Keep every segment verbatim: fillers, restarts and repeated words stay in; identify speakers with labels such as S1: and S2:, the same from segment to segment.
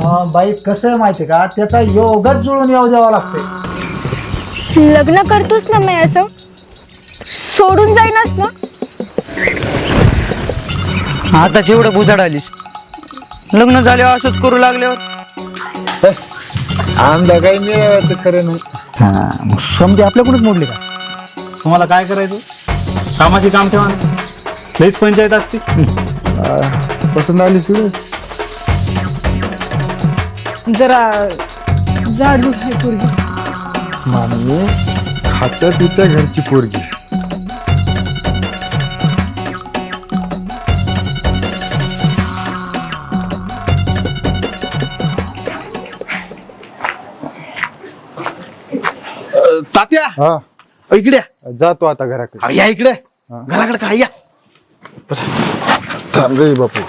S1: बाई कसं आहे माहिती का, त्याचा योगच जुळून येऊ द्यावा लागतोय.
S2: लग्न करतोस ना मी असं सोडून जाईनच ना.
S3: आता एवढं बुजाड आलीस, लग्न झाल्यावर असंच करू लागल्यावर
S4: आमदा काही मिळालं तर खरं नाही.
S1: हा मग समजे आपल्याकडूनच मोडले का?
S5: तुम्हाला काय करायचं, कामाची काम ठेवा, लईच पंचायत असते.
S4: पसंत आली सुरू
S2: जरा जाडू आहे पोरगी.
S4: माणूस खात्या पित्या घरची पोरगी.
S6: तात्या
S4: हा
S6: इकडे
S4: जातो आता घराकडे.
S6: अरे या इकडे घराकडे काय या बसा.
S4: थांब रे बापू.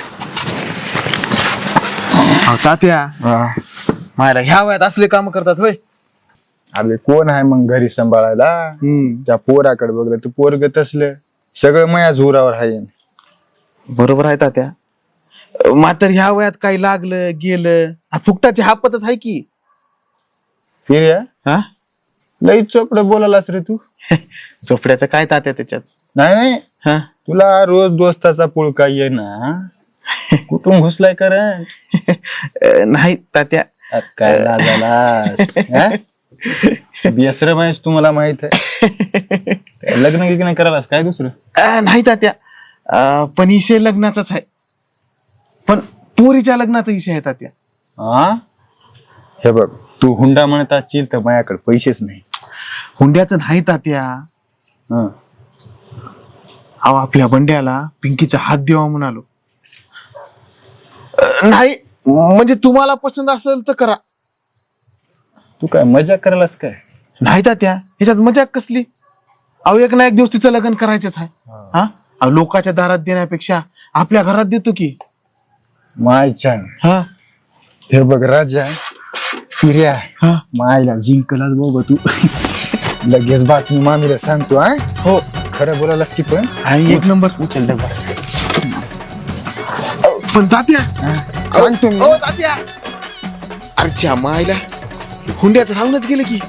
S6: अहो, तात्या मायला ह्या वयात असले काम करतात होय.
S4: अरे कोण आहे मग घरी सांभाळायला? त्या पोराकडे बघलं तर पोरग तसलं सगळं माया जोरावर आहे.
S6: बरोबर आहे तात्या, मात्र ह्या वयात काही लागलं गेलं फुकटाची हापतच आहे की.
S4: फिर्या
S6: हा
S4: लई चोपड बोलायलास रे तू.
S6: झोपड्याचं काय तात्या त्याच्यात.
S4: नाही नाही
S6: हा
S4: तुला रोज दोस्ताचा पुळका ये ना, कुठून घुसलाय करण
S6: नाही तात्या.
S4: काय लाजालास? बेसरम आहेस तुम्हाला माहित आहे. लग्न गिग्न करायलास काय दुसरं?
S6: अं, नाही तात्या, अं, पण विषय लग्नाचाच आहे, पण पोरीच्या लग्नाचा विषय आहे तात्या.
S4: हा हे बघ, तू हुंडा म्हणत असशील तर माझ्याकडे पैसेच नाही.
S6: हुंड्याचं नाही तात्या.
S4: हं.
S6: अहो आपल्या बंड्याला पिंकीचा हात देवा म्हणालो. अं, नाही म्हणजे तुम्हाला पसंत असेल तर करा.
S4: तू काय मजाक करायलास काय?
S6: नाही तात्या, ह्याच्यात मजाक कसली. अहो एक ना एक दिवस तिचं लग्न करायचंच आहे. हा अहो, लोकांच्या दारात देण्यापेक्षा आपल्या घरात देतो की.
S4: माय छान.
S6: हा
S4: हे बघ राजा फिर्या
S6: हा
S4: मायला जिंकलाच बाबा तू. लगेच बातमी मामीला सांगतो. हा
S6: हो
S4: खरं बोलायलास की पण
S6: आणि एक नंबर उचल डबा. अहो, पण तात्या
S4: सांगतो मी.
S6: हो तात्या, अरे मायला हुंड्यात राहूनच गेलं की.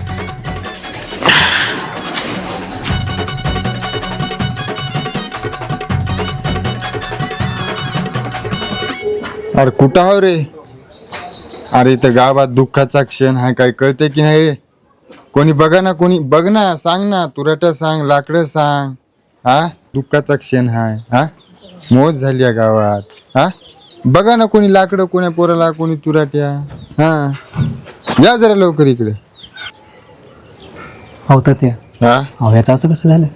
S4: अरे कुठं आहो रे? अरे इथं गावात दुःखाचा क्षण हा काय कळते की नाही रे? कोणी बघा ना, कोणी बघ ना, सांग ना, तुरट्या सांग, लाकडं सांग. हा दुःखाचा क्षण हाय. हा मोज झाली या गावात. हा बघा ना, कोणी लाकडं, कोण्या पोराला, कोणी तुराट्या. हा या जरा लवकर इकडे.
S1: हो तर ते
S4: हा
S1: हव्याचं असं कसं झालं?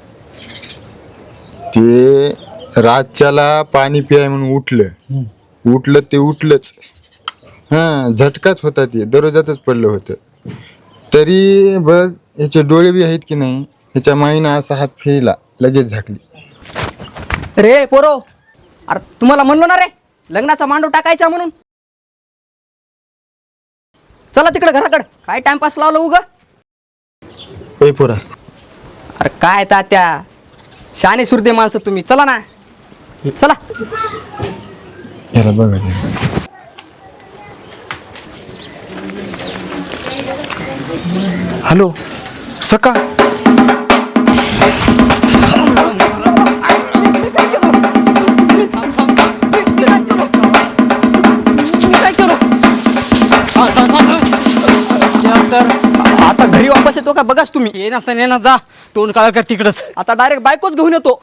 S4: ते रातच्याला पाणी पियाय म्हणून उठलं उठलं ते उठलंच. हा झटकाच होता, ते दररोजातच पडलं होतं. तरी बघ याचे डोळे बी आहेत की नाही, ह्याच्या माईनं असा हात फिरला लगेच झाकली.
S3: रे पोरो, अरे तुम्हाला म्हणलो ना रे लग्नाचा मांडव टाकायचा म्हणून. चला तिकडे घराकडे, काय टाइमपास लावलं उग.
S4: ए पोरा,
S3: अरे काय तात्या, शाने सुरते माणसं तुम्ही. चला ना चला.
S4: याला बघा.
S6: हॅलो सका.
S3: आता घरी वापस येतो का बघाच तुम्ही. ये नसता ये ना, जा तोंड काळ कर तिकडच. आता डायरेक्ट बायकोच घेऊन येतो.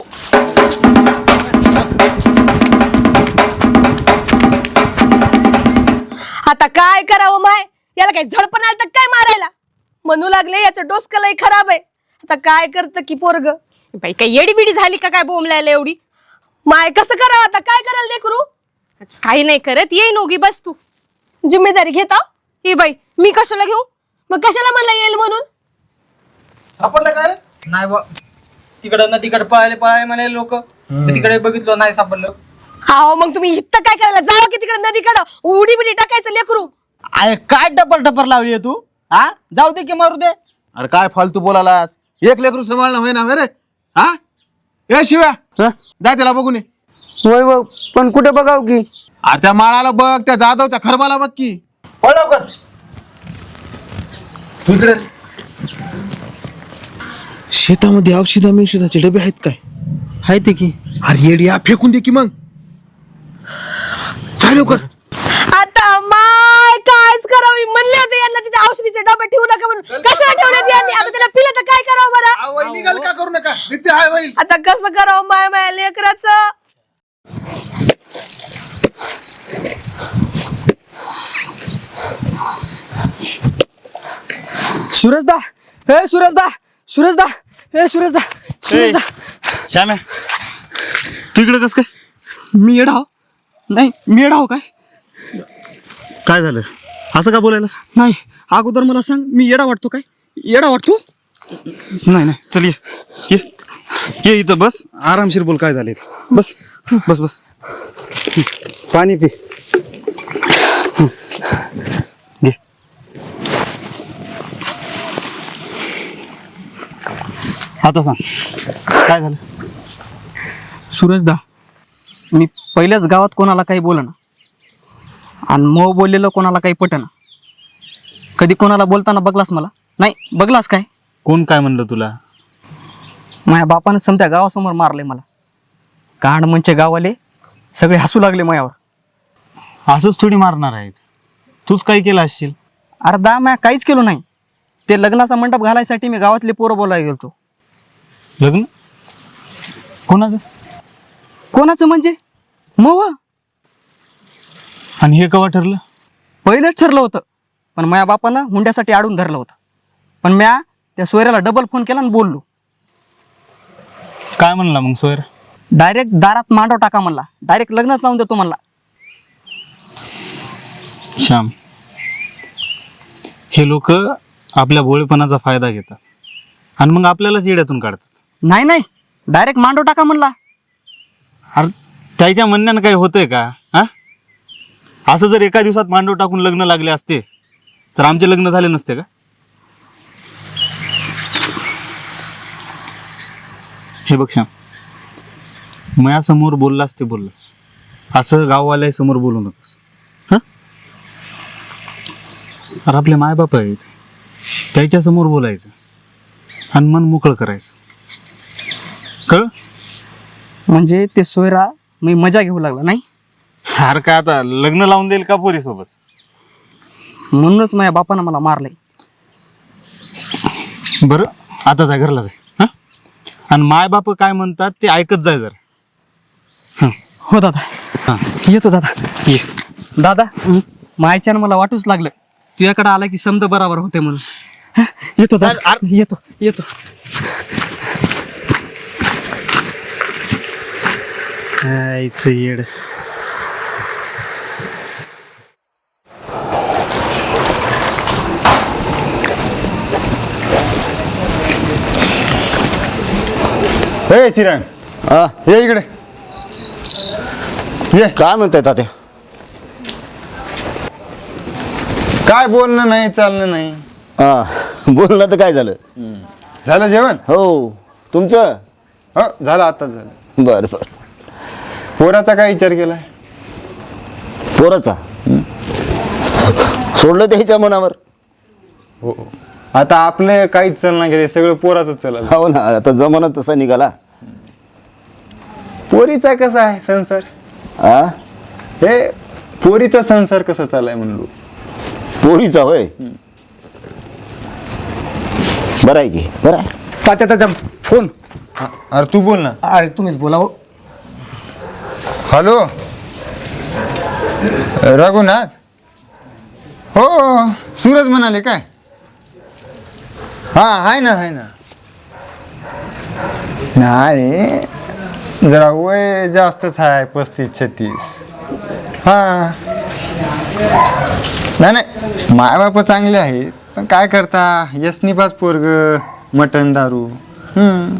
S2: आता काय करावं माय, याला काय झडपण आलं तर काय मारायला म्हणू लागले. याचं डोसकं लय खराब आहे. आता काय करतं की पोरग. बाई काय येडी बिडी झाली का काय बोंबलायला एवढी. माय कसं करावं आता, काय करायला लेकरू. काही नाही करत, ये नोगी बस तू. जिम्मेदारी घेता ही बाई. मी कशाला घेऊ, मग कशाला म्हणला येईल म्हणून.
S7: सापडलं काय? नाही बा, तिकडं ना तिकडे पळाले पळाले म्हणे लोक, तिकडे बघितलं नाही सापडलं.
S2: हा मग तुम्ही इथं काय करायला जावा की तिकडे नदीकडं उडी बिडी टाकायचं लेकरू.
S7: अरे काय डपर डपर लावली तू. हा जाऊ दे की मारू दे.
S6: अरे काय फालतू बोलालास. एक लेकरू सांभाळणं होय ना रे. हा ए शिव्या जा त्याला बघून ये.
S3: वय वय पण कुठे बघाव की.
S6: अरे त्या माळाला बघ, त्या जाधवच्या खरबाला बघ की. पळ लवकर इकडे. शेतामध्ये औषधा औषधाचे डबे आहेत काय?
S3: आहे ते की.
S6: अरे येडी, या फेकून दे की मग. चाल लवकर.
S2: आता माय कायच करावं, मी म्हणले होते यांना तिथे औषधीचे डबे ठेवू नका म्हणून. कशाला ठेवले यांनी? आता त्याला पिलं तर काय करावं बरं?
S6: आवय निघाल का करू नका, बीपी हाय होईल.
S2: आता कसं करावं माय माय लेकराचं?
S3: सुरजदा, हे सुरजदा, सुरजदा, हे सुरजदा, सुरजदा.
S8: श्याम्या तू इकडे कस काय?
S3: मी येडा हो? नाही, मी येडा हो काय?
S8: काय झालं असं का बोलायलास?
S3: नाही, अगोदर मला सांग, मी येडा वाटतो काय? येडा वाटतो?
S8: नाही नाही चल ये ये ये इथं बस, आरामशीर बोल काय झाले. बस बस बस पाणी पी. घे. आता सांग काय झालं?
S3: सुरजदा, मी पहिल्याच गावात कोणाला काही बोलना आणि मग बोललेलं कोणाला काही पटना. कधी कोणाला बोलताना बघलास मला? नाही बघलास काय?
S8: कोण काय म्हणलं तुला?
S3: माझ्या बापानं समत्या गावासमोर मारले मला. कांड म्हणजे गावाले सगळे हसू लागले मायावर.
S8: असंच थोडी मारणार आहेत, तूच काय केलं असशील?
S3: अरे दा म्या काहीच केलो नाही. ते लग्नाचा मंडप घालायसाठी मी गावातले पोरं बोलायला गेलतो.
S8: लग्न कोणाचं?
S3: कोणाचं म्हणजे? मग
S8: आणि हे केव्हा ठरलं?
S3: पहिलंच ठरलं होतं, पण माझ्या बापानं हुंड्यासाठी आडून धरलं होतं. पण म्या त्या सोयऱ्याला डबल फोन केला आणि बोललो.
S8: काय म्हणला मग सोयर?
S3: डायरेक्ट दारात मांडव टाका म्हणला. डायरेक्ट लग्नच लावून देतो म्हणला.
S8: श्याम, हे लोक आपल्या भोळेपणाचा फायदा घेतात आणि मग आपल्यालाच येड्यातून काढतात.
S3: नाही नाही, डायरेक्ट मांडव टाका म्हणला.
S8: अरे त्याच्या म्हणण्यानं काही होतंय का? हा, असं जर एका दिवसात मांडव टाकून लग्न लागले असते तर आमचे लग्न झाले नसते का? हे बघ श्याम, माझ्यासमोर बोललास ते बोललास, असं गाववाल्या समोर बोलू नकोस. हा, अरे आपले मायबाप आहेत, त्याच्या समोर बोलायचं आणि मन मोकळं करायचं, कळ?
S3: म्हणजे ते सोयरा मी मजा घेऊ लागला नाही.
S8: अरे काय आता लग्न लावून देईल का पोरीसोबत?
S3: म्हणूनच माझ्या बापानं मला मारलंय.
S8: बरं आता जाय, घरला जाय. हा, आणि माय बाप काय म्हणतात ते ऐकत जाय जरा.
S3: हो दादा,
S8: हां
S3: येतो दादा. ये दादा, मायच्यानं मला वाटूच लागलं तुझ्याकडे आला की समज बराबर होते म्हणून. हं, येतो दादा, येतो येतो.
S8: आईचं येड.
S4: हे चिरण,
S9: हा,
S4: ये इकडे ये.
S9: काय म्हणताय तात्या?
S4: काय बोलणं नाही, चालणं नाही.
S9: हा, बोलणं तर काय झालं?
S4: झालं जेवण?
S9: हो, तुमचं?
S4: हो झालं, आताच झालं.
S9: बरं बरं.
S4: पोराचा काय विचार केलाय?
S9: पोराचा सोडलं त्याच्या मनावर.
S4: हो, आता आपलं काहीच चालणार गेले, सगळं पोराचं चाललं.
S9: हो ना, आता जमाना तसा निघाला.
S4: पोरीचा कसा आहे संसार?
S9: हा,
S4: हे पोरीचा संसार कसा चालाय म्हणलो?
S9: पोरीचा होय. बरं आहे की, बरं आहे.
S1: तात्या तात्या फोन.
S4: अरे तू बोल ना.
S1: अरे तुम्हीच बोला हो.
S4: हॅलो रघुनाथ. हो सूरज म्हणाले काय? हा आहे ना, आहे ना. नाही जरा वय जास्तच आहे, पस्तीस छत्तीस. हा नाही नाही, माय बाप चांगले आहेत, पण काय करता, यसनिपास पोरग, मटण दारू. हम्म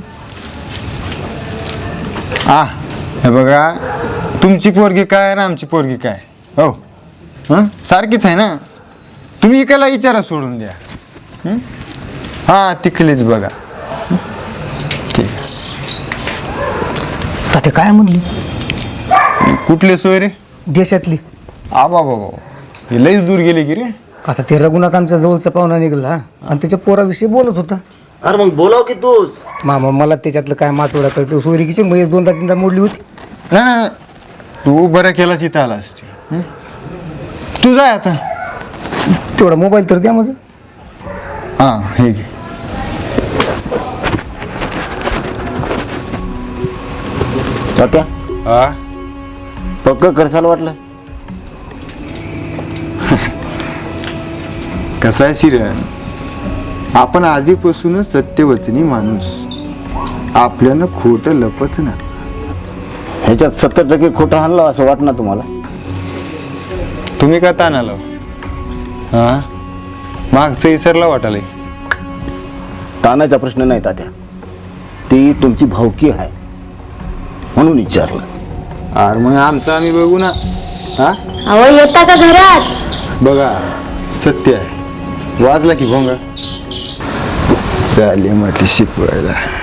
S4: आ हे बघा, तुमची पोरगी काय आणि आमची पोरगी काय? हो हां, सारखीच आहे ना. तुम्ही एकाला विचारा, सोडून द्या. हां तिकलीच बघा. ठीक.
S3: तात्या काय म्हणली?
S4: कुठले सोय रे?
S1: देशातली.
S4: आबा बाबा हे लईच दूर गेले की रे.
S1: आता ते रघुनाथ आमच्या जवळचा पाहुणा निघाला आणि त्याच्या पोराविषयी बोलत होता.
S9: अरे मग बोलाव की तूच.
S1: मामा मला त्याच्यातलं काय मातोडा करतो. सोयरीकीची म्हैस दोनदा तीनदा मोडली होती.
S4: नाही नाही तू बरं केलाच इथं आला असते. तू जाय आता.
S1: तेवढा मोबाईल तर द्या माझं.
S4: हां हे घे.
S9: तात्या
S4: हा
S9: पक्क करसाल वाटलं.
S4: कसा आहे शिरण, आपण आधीपासूनच सत्यवचनी माणूस. आपल्यानं खोटं लपच ना.
S9: ह्याच्यात सत्तर टक्के खोटं आणलं असं वाटणार तुम्हाला.
S4: तुम्ही का ताण आलो हा मागचं इसरला वाटाले.
S9: तानाचा प्रश्न नाही तात्या, ती तुमची भावकी आहे म्हणून विचारलं.
S4: अरे मग आमचं आम्ही बघू ना. हा
S2: अहो येता का घरात?
S4: बघा सत्य आहे. वाजला की भोंगा चाले म्हटली शिकवायला.